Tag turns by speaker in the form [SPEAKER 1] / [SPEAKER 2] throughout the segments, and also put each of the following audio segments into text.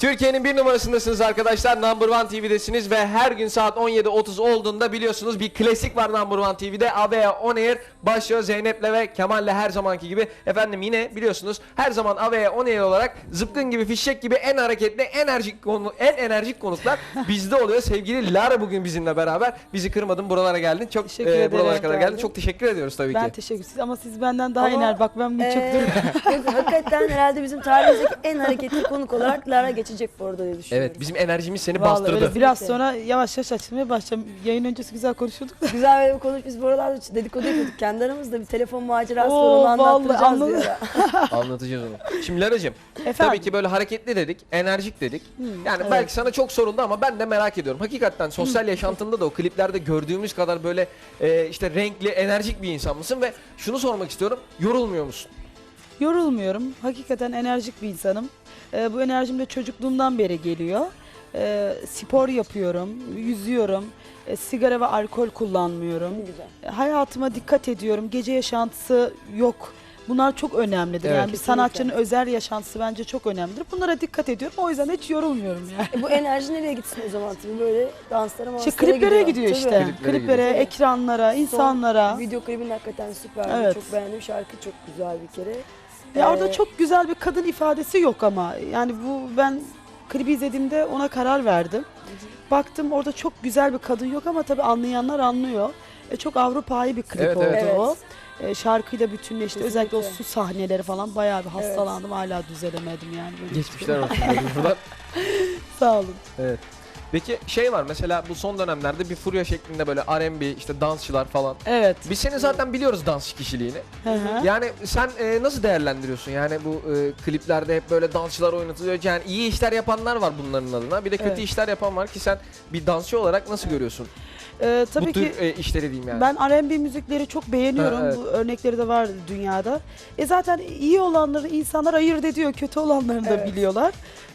[SPEAKER 1] Türkiye'nin bir numarasındasınız arkadaşlar. Number One TV'desiniz ve her gün saat 17.30 olduğunda biliyorsunuz bir klasik var Number One TV'de. Avea On Air başlıyor Zeynep'le ve Kemal'le her zamanki gibi. Efendim yine biliyorsunuz her zaman Avea On Air olarak zıpkın gibi, fişek gibi en hareketli, en enerjik konuklar bizde oluyor. Sevgili Lara bugün bizimle beraber. Bizi kırmadın, buralara geldin. Çok
[SPEAKER 2] Teşekkür ederim.
[SPEAKER 1] buralara kadar geldin. Çok teşekkür ediyoruz tabii
[SPEAKER 2] Ben
[SPEAKER 1] ki.
[SPEAKER 2] teşekkür ederim ama siz benden daha
[SPEAKER 3] Ama,
[SPEAKER 2] enerji. Bak ben bunu çok duruyorum.
[SPEAKER 3] Hakikaten herhalde bizim tarihimizdeki en hareketli konuk olarak Lara geçecek bu arada diye düşünüyorum.
[SPEAKER 1] Evet, bizim enerjimiz seni
[SPEAKER 2] Vallahi
[SPEAKER 1] bastırdı.
[SPEAKER 2] öyle biraz sonra yavaş yavaş açılmaya başlayacağım. Yayın öncesi güzel konuşuyorduk da.
[SPEAKER 3] Güzel böyle bir konuş. Biz buralarda dedikodu yapıyorduk. Kendi aramızda bir telefon macerası var.
[SPEAKER 2] Oo,
[SPEAKER 3] Onu
[SPEAKER 2] vallahi
[SPEAKER 3] anlattıracağız
[SPEAKER 2] anladım.
[SPEAKER 3] diyor ya.
[SPEAKER 1] Anlatacağız onu. Şimdi Lara'cığım,
[SPEAKER 2] Efendim?
[SPEAKER 1] tabii ki böyle hareketli dedik, enerjik dedik. Yani
[SPEAKER 2] evet.
[SPEAKER 1] belki sana çok soruldu ama ben de merak ediyorum. Hakikaten sosyal yaşantında da o kliplerde gördüğümüz kadar böyle işte renkli, enerjik bir insan mısın? Ve şunu sormak istiyorum, yorulmuyor musun?
[SPEAKER 2] Yorulmuyorum. Hakikaten enerjik bir insanım. Bu enerjim de çocukluğumdan beri geliyor. Spor yapıyorum, yüzüyorum. Sigara ve alkol kullanmıyorum.
[SPEAKER 3] Ne güzel.
[SPEAKER 2] Hayatıma dikkat ediyorum. Gece yaşantısı yok. Bunlar çok önemlidir.
[SPEAKER 1] Evet.
[SPEAKER 2] Yani bir
[SPEAKER 3] Kesinlikle.
[SPEAKER 2] sanatçının özel yaşantısı bence çok önemlidir. Bunlara dikkat ediyorum. O yüzden hiç yorulmuyorum yani.
[SPEAKER 3] Bu enerji nereye gitsin o zaman? Tabii böyle danslara
[SPEAKER 2] İşte
[SPEAKER 3] manslara
[SPEAKER 2] kliplere gidiyor
[SPEAKER 3] Tabii.
[SPEAKER 2] işte.
[SPEAKER 1] Kliplere
[SPEAKER 2] Kliplere,
[SPEAKER 3] gidiyor.
[SPEAKER 2] ekranlara,
[SPEAKER 3] Son
[SPEAKER 2] insanlara.
[SPEAKER 3] Video klibin hakikaten süper.
[SPEAKER 2] Evet.
[SPEAKER 3] Çok beğendim. Şarkı çok güzel bir kere.
[SPEAKER 2] Orada çok güzel bir kadın ifadesi yok ama. Yani ben klibi izlediğimde ona karar verdim. Baktım orada çok güzel bir kadın yok ama tabii anlayanlar anlıyor. Çok Avrupa'yı bir klip
[SPEAKER 1] Evet,
[SPEAKER 2] oldu
[SPEAKER 1] evet.
[SPEAKER 2] o. Şarkıyla bütünleşti. Özellikle o
[SPEAKER 3] Kesinlikle.
[SPEAKER 2] su sahneleri falan bayağı bir
[SPEAKER 3] Evet.
[SPEAKER 2] hastalandım. Hala düzelemedim yani. Böyle
[SPEAKER 1] Geçmişler olsun diyorum buradan.
[SPEAKER 2] Sağ olun.
[SPEAKER 1] Evet. Peki şey var mesela bu son dönemlerde bir furya şeklinde böyle R&B, işte dansçılar falan.
[SPEAKER 2] Evet.
[SPEAKER 1] Biz seni zaten biliyoruz dansçı kişiliğini.
[SPEAKER 2] Hı hı.
[SPEAKER 1] Yani sen nasıl değerlendiriyorsun? Yani bu kliplerde hep böyle dansçılar oynatılıyor. Yani iyi işler yapanlar var bunların adına. Bir de kötü
[SPEAKER 2] Evet.
[SPEAKER 1] işler yapan var ki sen bir dansçı olarak nasıl görüyorsun?
[SPEAKER 2] Tabii
[SPEAKER 1] bu
[SPEAKER 2] ki
[SPEAKER 1] tür işleri diyeyim yani.
[SPEAKER 2] ben R&B müzikleri çok beğeniyorum.
[SPEAKER 1] Ha, evet.
[SPEAKER 2] Bu örnekleri de var dünyada. Zaten iyi olanları insanlar ayırt ediyor. Kötü olanlarını da
[SPEAKER 3] Evet.
[SPEAKER 2] biliyorlar.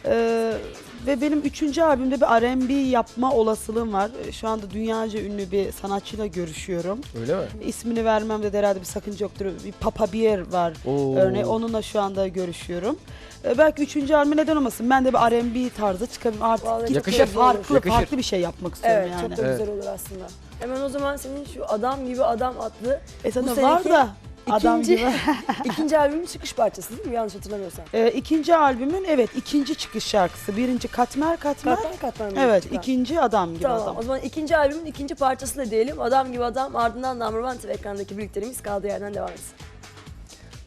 [SPEAKER 2] Ve benim 3. albümde bir R&B yapma olasılığım var. Şu anda dünyaca ünlü bir sanatçıyla görüşüyorum.
[SPEAKER 1] Öyle mi?
[SPEAKER 2] İsmini vermemde de herhalde bir sakınca yoktur. Bir Papa Bear var
[SPEAKER 1] Oo.
[SPEAKER 2] örneğin. Onunla şu anda görüşüyorum. Belki 3. albümü neden olmasın? Ben de bir R&B tarzı çıkabilirim. Artık
[SPEAKER 3] Vallahi
[SPEAKER 2] gitgide
[SPEAKER 1] yakışır.
[SPEAKER 2] farklı,
[SPEAKER 1] Yakışır.
[SPEAKER 2] farklı bir şey yapmak istiyorum
[SPEAKER 3] Evet,
[SPEAKER 2] yani.
[SPEAKER 3] çok da
[SPEAKER 1] Evet.
[SPEAKER 3] güzel olur aslında. Hemen o zaman senin şu Adam Gibi Adam adlı
[SPEAKER 2] Sana
[SPEAKER 3] bu
[SPEAKER 2] var
[SPEAKER 3] seneki
[SPEAKER 2] da adam
[SPEAKER 3] ikinci-
[SPEAKER 2] gibi.
[SPEAKER 3] ikinci albümün çıkış parçası değil mi? Yanlış hatırlamıyorsam.
[SPEAKER 2] 2. albümün ikinci çıkış şarkısı. 1. Katmer.
[SPEAKER 3] Katman katman.
[SPEAKER 2] Evet,
[SPEAKER 3] çıkan.
[SPEAKER 2] 2. Adam Gibi
[SPEAKER 3] Tamam,
[SPEAKER 2] Adam.
[SPEAKER 3] o zaman ikinci albümün ikinci parçası da diyelim. Adam Gibi Adam, ardından Number One TV ekrandaki birliklerimiz kaldığı yerden devam etsin.